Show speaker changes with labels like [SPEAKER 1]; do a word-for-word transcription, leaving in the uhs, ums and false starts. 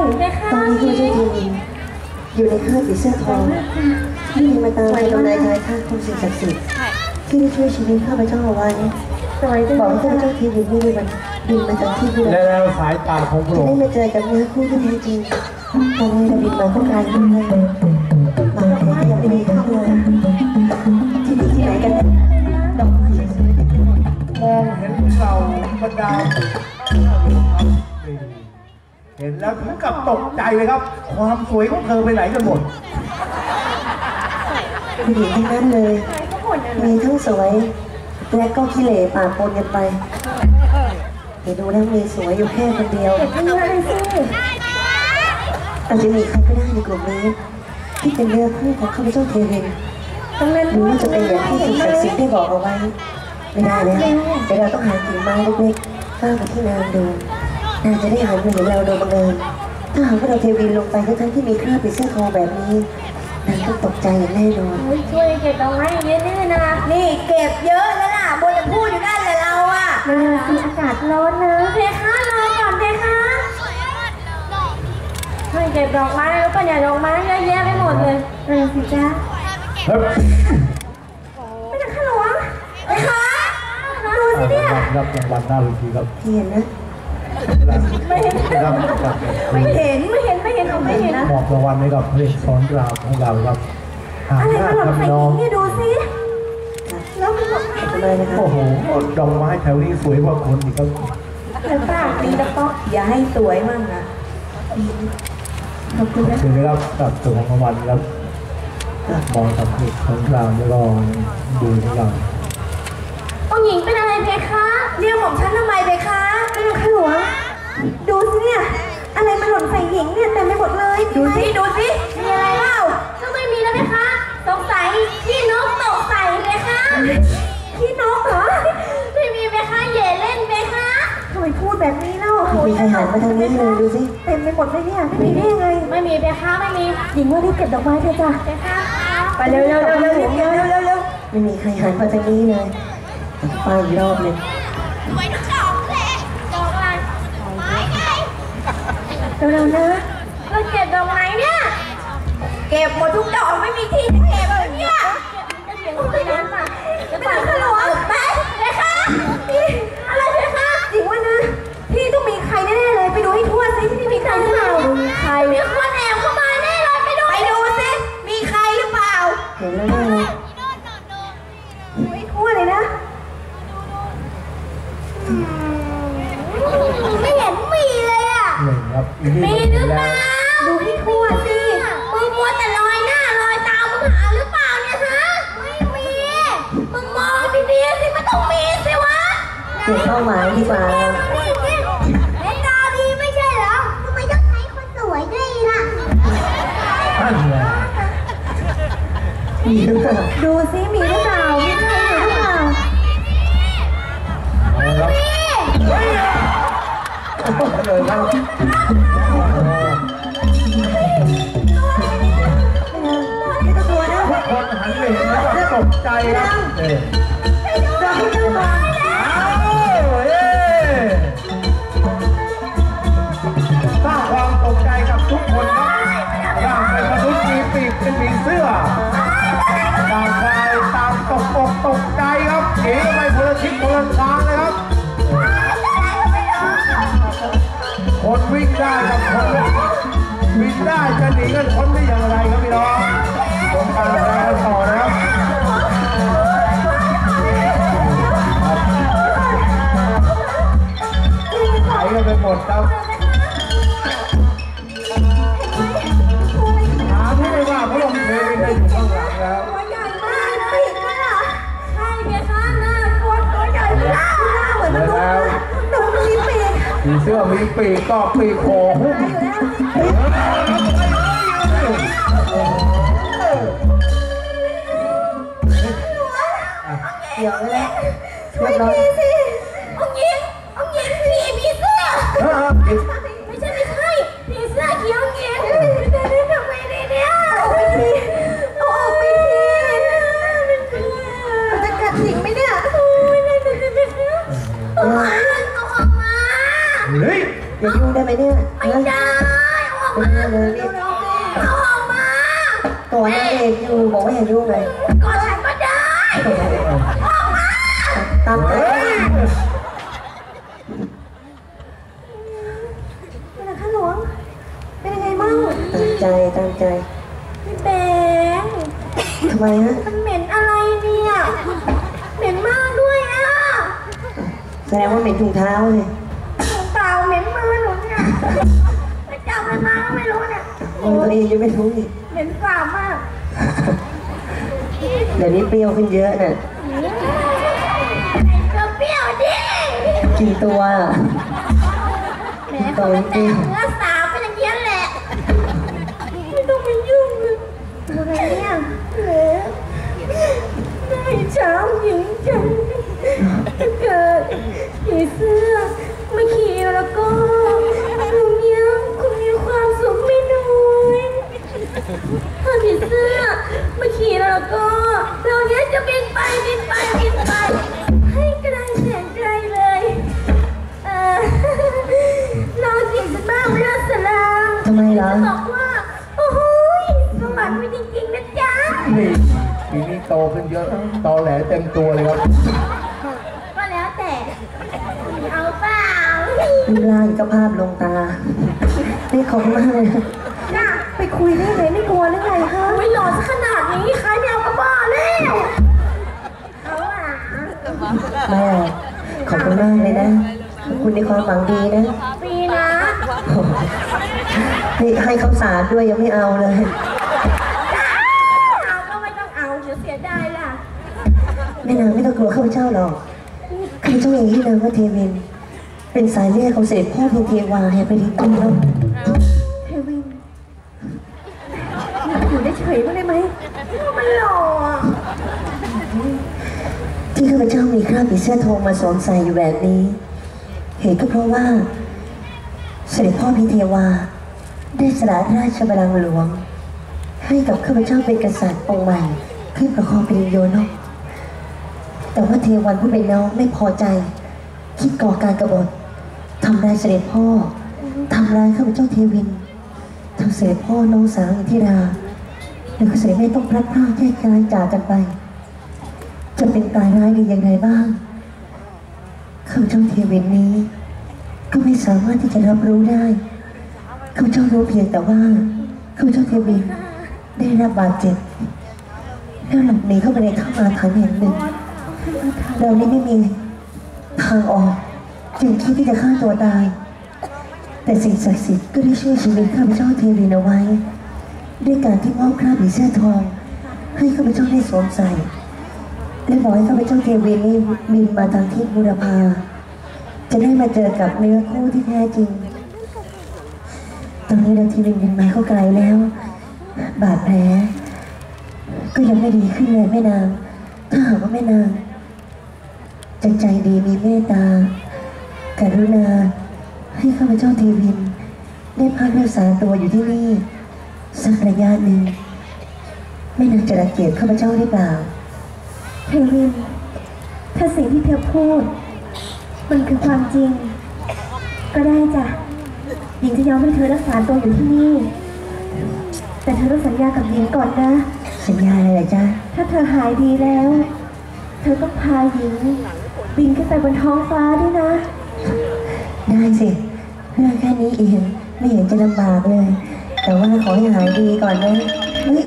[SPEAKER 1] ตอนนี้ข้าพเจ้าทีอยู่ในค่ายผีเสื้อทองที่มีมาตามทำนายทายท่าของสิ่งศักดิ์สิทธิ์ที่ได้ช่วยชีวิตข้าพเจ้าเอาไว้บอกให้ข้าพเจ้าทีวินนี่มันบินมาจากที่เรือ
[SPEAKER 2] แล้วสายตาของพระองค์
[SPEAKER 1] จะได้มาเจอกับเนื้อคู่ที่แท้จริงตอนนี้เราบินมาก็กลายเป็นเรื่องบางคนก็ยังไม่ได้เข้าเลยที่นี่ที่ไหนกันดอกไม้สวยๆ
[SPEAKER 2] มองเห็นเราบรรดาเห็นแล้วถึงกับตกใจเลยครับความสวยของเธอไปไหนกันหมด
[SPEAKER 1] ผู้หญิงทั้งนั้นเลยมีทั้งสวยและก็ขี้เหร่ปากปนกันไปเดี๋ยวดูแล้วมีสวยอยู่แค่คนเดียวอาจจะมีใครก็ได้ในกลุ่มนี้ที่เป็นเนื้อคู่ของข้าพเจ้าเทวินหรือว่าจะเป็นอย่างที่สิ่งศักดิ์สิทธิ์ได้บอกเอาไว้ไม่ได้แล้วเดี๋ยวเราต้องหากิ่งไม้เล็กๆก้าวไปที่นางดูนางจะได้หันมาเห็นเราโดยบังเอิญถ้าหากว่าเราเทวินลงไปทั้งที่มีคราบเป็นเสื้อทองแบบนี้นางต้องตกใจอย่างแน่นอน
[SPEAKER 3] ช่วยเก็บดอกไม้เยอะแน่นะ
[SPEAKER 4] นี่เก็บเยอะแล้วล่ะบนจะพูดอยู่นั่นแหละเราอ่ะ
[SPEAKER 3] มันสิอากาศร้อนนะเพคะรอก่อนเพคะช่วยเก็บดอกไม้แล้วก็อย่าดอกไม้เยอะแยะไปหมดเลยเออสิจ้าไม่จะข้าหลวงเพคะดูสิเนี่ย
[SPEAKER 2] รับรางวัลหน้าเวทีครับ
[SPEAKER 1] เห็นนะ
[SPEAKER 3] ไม่เห็นไม่เห็นไม่เห็นไม่เห็นไม่เห็นนะ
[SPEAKER 2] มอบรางวัลให้กับเพลงสอนรามของเราครับ
[SPEAKER 3] อะไรมาหล่นใส่หินนี่ดูสิแล้วมัน
[SPEAKER 2] โอ้โหดอกไม้แถวนี้สวยกว่าคนอีกครับ
[SPEAKER 4] แล้วป้าดีแล้วก็อย่าให้สวยมั่งนะ
[SPEAKER 2] ขอบคุณนะครับกับตัวของรางวัลครับมองกับเพลงสอนรามแล้วก็ดูของเรา
[SPEAKER 3] องค์หญิงเป็นอะไรเพคะ
[SPEAKER 4] เรียกของฉันทำไมเพคะ
[SPEAKER 3] เป็นข้าหลวงดูสิเนี่ยอะไรมาหล่นใส่หญิงเนี่ยเต็มไปหมดเลย
[SPEAKER 4] ดูสิดูสิ
[SPEAKER 3] มีอะไรเปล่าก็ไม่มีแล้วเพคะสงสัยพี่นกตกใส่เพคะพี่นกเหรอไม่มีเพคะเย่เล่นเพคะทำไมพูดแบบนี้เล่า
[SPEAKER 1] มีใครหันมาทางนี้เลยดูสิ
[SPEAKER 3] เต็มไปหมดเลยเนี่ยไม่มีได้ยังไงไม่มีเพคะไม่มีหญิงว่ารีบเก็บดอกไม้เถอะจ้ะเพคะ
[SPEAKER 4] ไปเร็วเร็วเร็วเร็วเร็วเร็วเร็ว
[SPEAKER 1] ไม่มีใครหันมาทางนี้เลยไปอีกรอบเลย
[SPEAKER 3] สวยทุกดอกเลยดอกอะไรไม้ไงเร็วๆนะเราเก็บดอกไม้เนี่ย
[SPEAKER 4] เก็บหมดทุกดอกไม่มีที่จะเก็บเลยเนี่ย
[SPEAKER 3] จะเสียงคนนั้นป่ะ
[SPEAKER 4] จะเป็นขลุ่นไปเลยค่ะ
[SPEAKER 3] อะไรเลยค่ะ
[SPEAKER 4] จริงว่านะพี่ต้องมีใครแน่ๆเลยไปดูให้ทั่วสิที่มีใครหรือเปล่า
[SPEAKER 3] ใครมีคนแอบเข้ามาแน่เลยไปดู
[SPEAKER 4] ไปดูสิมีใครหรือเปล่า
[SPEAKER 1] เห็นแล้วแน่เลย
[SPEAKER 4] ดูให้ทั่วเลยนะ
[SPEAKER 3] ไม่เห็นมีเลยอ่ะมีหรือเปล่า
[SPEAKER 4] ดูให้ทั่วสิ
[SPEAKER 3] มึงมัวแต่ลอยหน้าลอยตามึงหาหรือเปล่าเนี่ยฮะไม่มีมึงมองดีๆสิมันต้องมีสิวะ
[SPEAKER 1] เก็บเป้าหมายดีกว่า
[SPEAKER 3] เห็นตาดีไม่ใช่เหรอทำไมต้องใช้คนสวยด้วยล่ะ
[SPEAKER 1] มีหรือเปล่า
[SPEAKER 3] ดูสิมีหรือเปล่ามีใครหรือเปล่า
[SPEAKER 2] เลยครับ
[SPEAKER 1] ไม่ต้องกลัวนะ
[SPEAKER 2] คนหันไปเห็นแล้วก็ตกใจครับเอ๊ะ
[SPEAKER 1] เราไม่ต้องมา
[SPEAKER 2] สร้างความตกใจกับทุกคนครับย่างเป็นมนุษย์มีปีกเป็นผีเสื้อต่างฝ่ายต่างตกอกตกใจครับเอ๋ไปคนละทิศคนละทางเลยครับคนวิ่งได้กับคนวิ่งได้จะหนีกันคนได้อย่างไรครับพี่น้องผมตามแล้วต่อนะครับไหลกันไปหมดครับหาที่ไม่ว่าพระองค์เทวินได้อยู่ข้างหลังแล้ว
[SPEAKER 3] ตัวใหญ่มากปีกมันอ่ะใช่เพคะหน้ากลัวตัวใหญ่มากหน้าเหมือนมนุษย์หนูมีปีก
[SPEAKER 2] ผีเสื้อมีปีกก็ปีกโผล่หุ้ม
[SPEAKER 1] เดี๋ยวเลย
[SPEAKER 3] ช่วยพี่สิองยิงองยิงผีผีเสื้อไม่ใช่ไม่ใช่ผีเสื้อเขียวองยิงจะได้ทำไงดีเนี่ยเอาไปทีเอาออกไปทีมันจะกัดสิงไหมเนี่ยโอ้ยไม่ได้ไม่ได้เอาออกมา
[SPEAKER 2] เฮ้ย
[SPEAKER 1] อย่ายุ่งได้ไหมเนี่ย
[SPEAKER 3] ไม่ได้มา
[SPEAKER 1] เลยนี่
[SPEAKER 3] เอาออกมา
[SPEAKER 1] ก่อนนางเอกอยู่บอกว่าอย่ายุ่งเลย
[SPEAKER 3] ก่อนฉันก็ได้ออกมา
[SPEAKER 1] ตามใจ
[SPEAKER 4] เป็นอะไรคะหลวงเป็นยังไงบ้าง
[SPEAKER 1] ตามใจตามใจ
[SPEAKER 3] พี่แบงค์
[SPEAKER 1] ทำไมฮะ
[SPEAKER 3] มันเหม็นอะไรเนี่ยเหม็นมากด้วยอ่ะ
[SPEAKER 1] แสดงว่าเป็นถุงเท้าเลย
[SPEAKER 3] เปล่าเหม็นมือหนูเนี่ยไปจับอะไรมาก็ไม่รู้เนี่ย
[SPEAKER 1] มึงตัวเองยังไม่รู้อีก
[SPEAKER 3] เหม็นสาบมาก
[SPEAKER 1] เดี๋ยวนี้เปรี้ยวขึ้นเยอะน่ะ
[SPEAKER 3] เธอเปรี้ยวดิ
[SPEAKER 1] กี่ตัวอะ
[SPEAKER 3] แหมเขาไม่แต่งเนื้อสาวเป็นอย่างนี้แหละไม่ต้องมายุ่งเลยอะไรเนี่ยแหมได้เช้าหญิงจังถ้าเกิดผีเสื้อมาขี่แล้วก็ลุงเนี้ยคุณมีความสุขไม่น้อยถ้าผีเสื้อมาขี่แล้วก็เราเนี้ยจะบินไปบินไปบินไปให้ไกลแสนไกลเลยเออเราจิตจะบ้าเรื่องสลาง
[SPEAKER 1] ทำไมเหรอ
[SPEAKER 3] บอกว่าโอ้ยสวรรค์มีจริงๆนะจ๊ะ
[SPEAKER 2] นี่ทีนี้โตขึ้นเยอะตอแหลเต็มตัวเลยครับ
[SPEAKER 3] ก็แล้วแต่เอาเปล่า
[SPEAKER 1] รูปร่างก็ภาพลงตานี่ขอบคุณมากเลย
[SPEAKER 3] น่ะ
[SPEAKER 4] ไปคุยได้ไหมไม่กลัวหรือไงคะ
[SPEAKER 3] ไม่หล่อซะขนาดนี้ใครไม่เอากระบ้าแล้วเอาอ่ะ
[SPEAKER 1] แม่ขอบคุณมากเลยนะขอบคุณในความหวังดีนะ
[SPEAKER 3] ปีนะ
[SPEAKER 1] นี่ให้ข้าวสารด้วยยังไม่เอาเลย
[SPEAKER 3] เอาก็ไม่ต้องเอาเดี๋ยวเสียดายล่ะ
[SPEAKER 1] แม่นางไม่ต้องกลัวข้าพเจ้าหรอกข้าพเจ้าเองที่นามว่าเทวิน เป็นสายเลือดของเสด็จพ่อเพียงเทวาแห่งแผ่นดินตุ้มแล้ว
[SPEAKER 4] เทวินอยู่ได้เฉยบ้างได้ไหม
[SPEAKER 3] มันหล่ออ่ะ
[SPEAKER 1] ที่ข้าพเจ้ามีคราบผีเสื้อทองมาสวมใส่อยู่แบบนี้ เหตุก็เพราะว่า เสด็จพ่อพิเทวา ได้สละราชบัลลังก์หลวง ให้กับข้าพเจ้าเป็นกษัตริย์องค์ใหม่ขึ้นประคองเป็นโยนกแต่ว่าเทวันผู้เป็นน้องไม่พอใจ คิดก่อการกบฏทำร้ายเสด็จพ่อทำร้ายข้าพเจ้าเทวินทำเสด็จพ่อน้องสาวอินทิราแล้วก็เสด็จแม่ต้องพลัดพรากแยกย้ายจากกันไป จะเป็นตายร้ายดีอย่างไรบ้างข้าพเจ้าเทวินนี้ ก็ไม่สามารถที่จะรับรู้ได้ข้าพเจ้ารู้เพียงแต่ว่าข้าพเจ้าเทวินได้รับบาดเจ็บแล้วหลบหนีเข้าไปในถ้ำอาถรรพ์แห่งหนึ่งเรานี่ไม่มีทางออกจึงคิดที่จะฆ่าตัวตาย แต่สิ่งศักดิ์สิทธิ์ก็ได้ช่วยชีวิตข้าพเจ้าเทวินเอาไว้ ด้วยการที่มอบคราบผีเสื้อทอง ให้ข้าพเจ้าได้สวมใส่และบอกให้ข้าพเจ้าเทวินนี่บินมาทางทิศบุรพาจะได้มาเจอกับเนื้อคู่ที่แท้จริง ตอนนี้เราทีวินบินมาเข้าไกลแล้ว บาดแผลก็ยังไม่ดีขึ้นเลยแม่นางถ้าหากว่าแม่นางจะใจดีมีเมตตากรุณาให้ข้าพเจ้าเทวิน ได้พักรักษาตัวอยู่ที่นี่สักระยะหนึ่งแม่นางจะรังเกียจข้าพเจ้าหรือเปล่า
[SPEAKER 4] เทวิน ถ้าสิ่งที่เธอพูด มันคือความจริง ก็ได้จ้ะหญิงจะยอมให้เธอรักษาตัวอยู่ที่นี่ แต่เธอต้องสัญญากับหญิงก่อนนะ
[SPEAKER 1] สัญญาอะไรล่ะจ๊ะ
[SPEAKER 4] ถ้าเธอหายดีแล้ว เธอต้องพาหญิง บินขึ้นไปบนท้องฟ้าด้วยนะ
[SPEAKER 1] ได้สิเรื่องแค่นี้เองไม่เห็นจะลำบากเลย แต่ว่าขอให้หายดีก่อนนะ